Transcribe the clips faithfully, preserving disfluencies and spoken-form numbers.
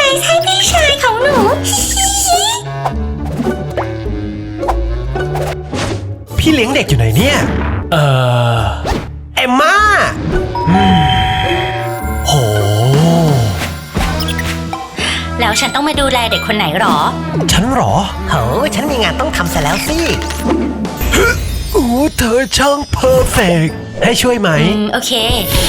ส์ให้พี่ชายของหนูพี่เลี้ยงเด็กอยู่ไหนเนี่ยเอ่อเอมม่าโหแล้วฉันต้องมาดูแลเด็กคนไหนหรอฉันหรอโหฉันมีงานต้องทำซะแล้วสิโอ้เธอช่างเพอร์เฟกต์ให้ช่วยไหมอืมโอเค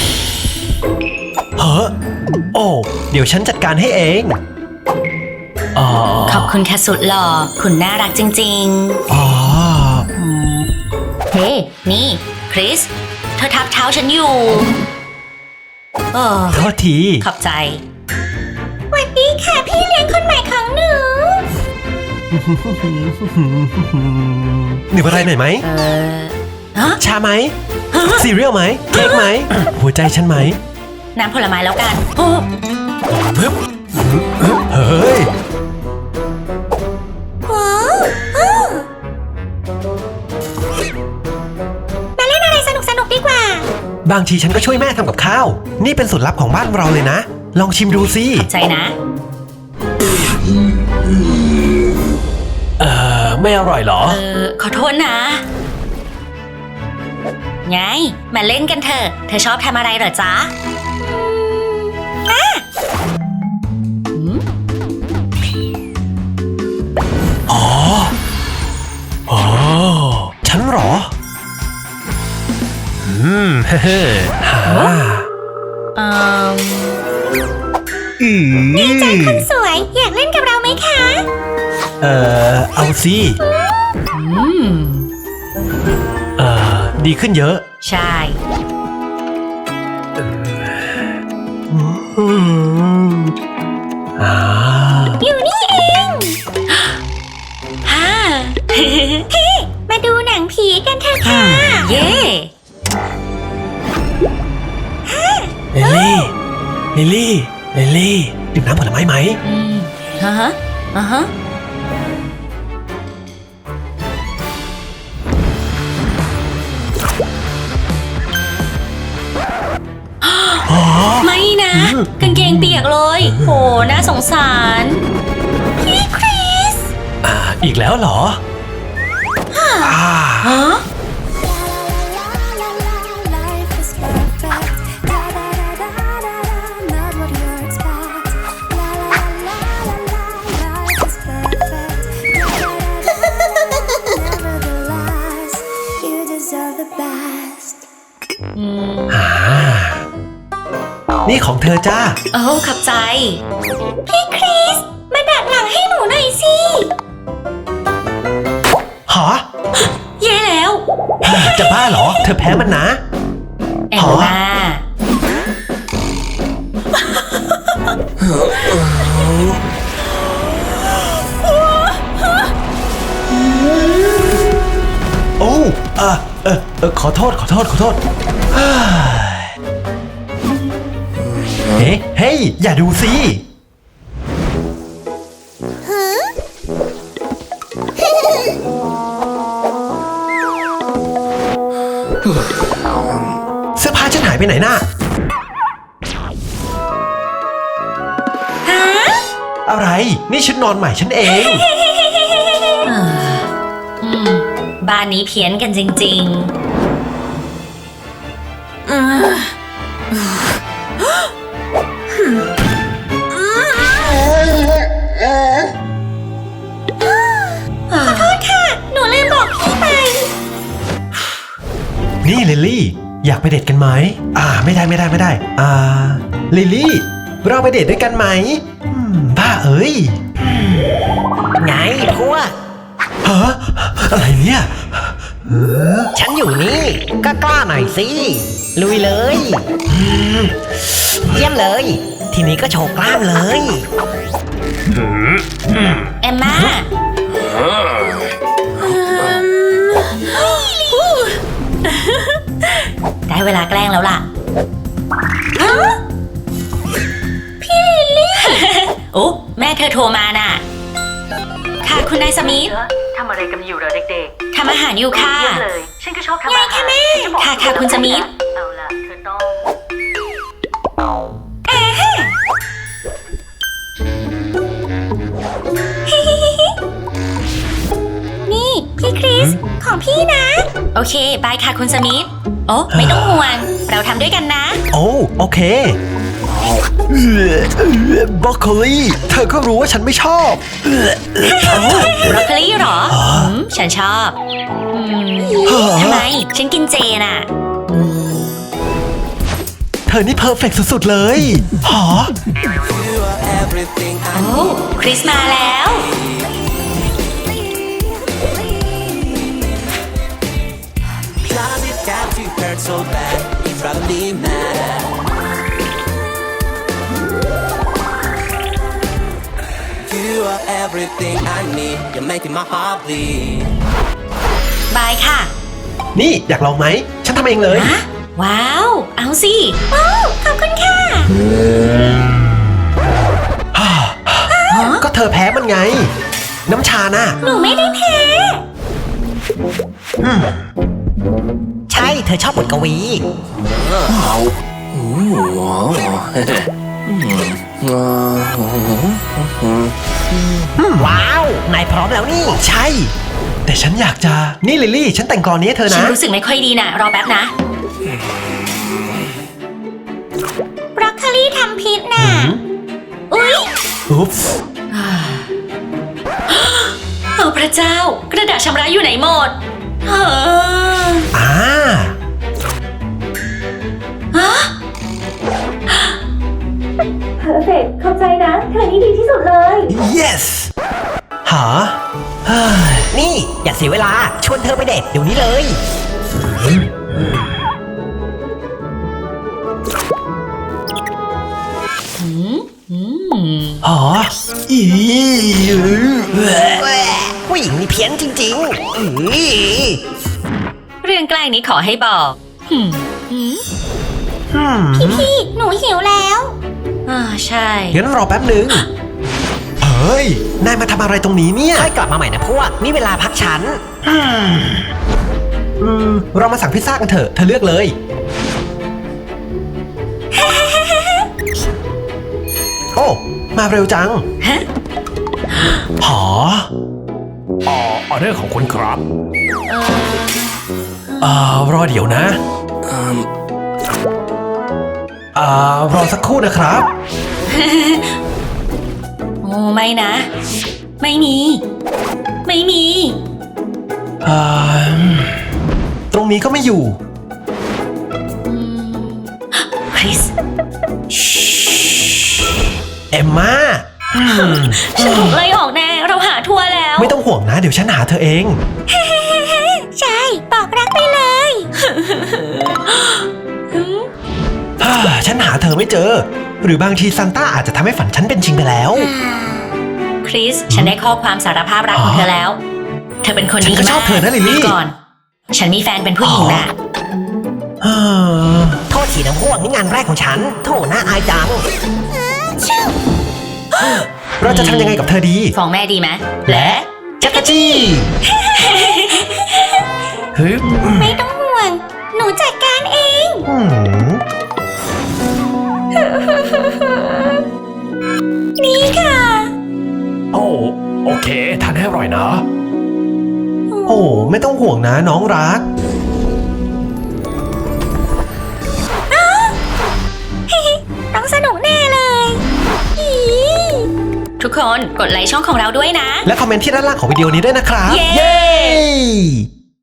เฮ้อโอ้เดี๋ยวฉันจัดการให้เองอ๋อขอบคุณค่ะสุดหล่อคุณน่ารักจริงๆอ๋อเฮ้ นี่คริสเธอทับเท้าฉันอยู่เออโทษทีขอบใจสวัสดีค่ะพี่เลี้ยงคนใหม่ของหนูหนึ่งอะไรหน่อยไหมเออชาไหมซีเรียลไหมเค้กไหมหัวใจฉันไหมน้ำผลไม้แล้วกันเฮ้ยมาเล่นอะไรสนุกสนุกดีกว่าบางทีฉันก็ช่วยแม่ทำกับข้าวนี่เป็นสูตรลับของบ้านเราเลยนะลองชิมดูสิใจนะเออไม่อร่อยเหรอเออขอโทษนะไงมาเล่นกันเถอะเธอชอบทำอะไรเหรอจ๊ะอ๋ออ๋อฉันเหรออืมเฮ้เฮ้ฮ่าอืมนี่ใจคนสวยอยากเล่นกับเราไหมคะเอ่อเอาสิอืมเอ่อดีขึ้นเยอะใช่อยู่นี่เองฮ่าเฮ้มาดูหนังผีกันเถอะค่ะเย้ลิลลี่ลิลลี่ลิลลี่ดื่มน้ำผลไม้ไหมอืมฮะฮะอ่าฮะไม่นะกางเกงเปียกเลยโหน่าสงสารพี่คริสอ่าอีกแล้วเหรออ่าฮะนี่ของเธอจ้าโอ้ขับใจพี่คริสมาดัดหลังให้หนูหน่อยสิหรอแย่แล้วจะบ้าเหรอเธอแพ้มันนะแอมมาโอ้เออเออเออขอโทษขอโทษขอโทษเฮ้เฮ้ยอย่าดูสิเสื้อผ้าฉันหายไปไหนน่ะฮะอะไรนี่ชุดนอนใหม่ฉันเองบ้านนี้เพี้ยนกันจริงๆขอโทษค่ะหนูลืมบอกพี่ไปนี่ลิลลี่อยากไปเดทกันไหมอ่าไม่ได้ไม่ได้ไม่ได้อ่าลิลลี่เราไปเดทด้วยกันไหมบ้าเอ้ยไงพวกฮะอะไรเนี่ยฉันอยู่นี่ก็กล้าหน่อยสิลุยเลยเยี่ยมเลยทีนี้ก็โชว์กล้ามเลยเอมม่าได้เวลาแกล้งแล้วล่ะพี่ลิลลี่โอ้แม่เธอโทรมาน่ะค่ะคุณนายสมิธทำอะไรกันอยู่เหรอเด็กๆทำอาหารอยู่ค่ะเลยฉันก็ชอบทำอาหารค่ะแม่ค่ะค่ะคุณสมิธเอาล่ะเธอต้องของพี่นะ โอเค บายค่ะคุณสมิธโอ้ไม่ต้องห่วง เราทำด้วยกันนะโอ้โอเคบรอกโคลีเธอก็รู้ว่าฉันไม่ชอบบรอกโคลีเหรออืมฉันชอบอืมทำไม ฉันกินเจน่ะเธอนี่เพอร์เฟกต์สุดๆเลยหอโอ้คริสมาแล้ว Cause it got to hurt so bad, it probably matter. You are everything I need, you're making my heart bleed. บายค่ะนี่อยากลองไหม ฉันทำเองเลยฮะ ว้าว เอาสิว้าวขอบคุณค่ะก็เธอแพ้มันไง น้ำชาน่ะหนูไม่ได้แพ้ใช่เธอชอบบทกวี ว้าว นายพร้อมแล้วนี่ใช่ แต่ฉันอยากจะ นี่ลิลลี่ ฉันแต่งกลอนนี้ให้เธอฉันนะรู้สึกไม่ค่อยดีนะ รอแป๊บนะบรอกโคลีทำพิษน่ะ อุ๊ยอุ๊ปส์โอ้พระเจ้า กระดาษชำระอยู่ไหนหมดเอออ่าเพอร์เฟกต์เข้าใจนะ เธอนี่ดีที่สุดเลย yes หาเฮ้ยนี่อย่าเสียเวลา ชวนเธอไปเดทเดี๋ยวนี้เลยหออีผู้หญิงนี่เพี้ยนจริงๆอื้อเรื่องแกล้งนี้ขอให้บอกหืมหืมอืมพี่หนูหิวแล้วอ่าใช่งั้นรอแป๊บหนึ่งเฮ้ย นายมาทำอะไรตรงนี้เนี่ยค่อยกลับมาใหม่นะพวก นี่เวลาพักฉันอืม เรามาสั่งพิซซ่ากันเถอะ เธอเลือกเลย โอ้ มาเร็วจังฮะหอออเดอร์ของคุณครับเอ่อรอเดี๋ยวนะอ่ารอสักครู่นะครับโอ้ไม่นะ ไม่มี ไม่มีอ่าตรงนี้ก็ไม่อยู่คริสเอมมาอืมฉันถูกไล่ออกแน่ เราหาทัวร์แล้วไม่ต้องห่วงนะ เดี๋ยวฉันหาเธอเองใช่ บอกรักไปเลยฮ่าฉันหาเธอไม่เจอ หรือบางทีซานต้าอาจจะทำให้ฝันฉันเป็นจริงไปแล้วคริส ฉันได้ข้อความสารภาพรักของเธอแล้ว เธอเป็นคนฉัดีนก็ชอบมากเธอนะลิลลี่ก่อน ฉันมีแฟนเป็นผู้หญิงน่ะฮ่าโทษทีนะพวกนี่งานแรกของฉัน โถน่าอายจังเราจะทำยังไงกับเธอดีฟ้องแม่ดีไหมและจักรจี้ฮึบไม่ต้องห่วง หนูจัดการเองอืมนี่ค่ะโอ้โอเค ทานให้อร่อยนะโอ้ ไม่ต้องห่วงนะน้องรักต้องสนุกแน่เลยอีทุกคนกดไลค์ช่องของเราด้วยนะและคอมเมนต์ที่ด้านล่างของวิดีโอนี้ด้วยนะครับเย้เย้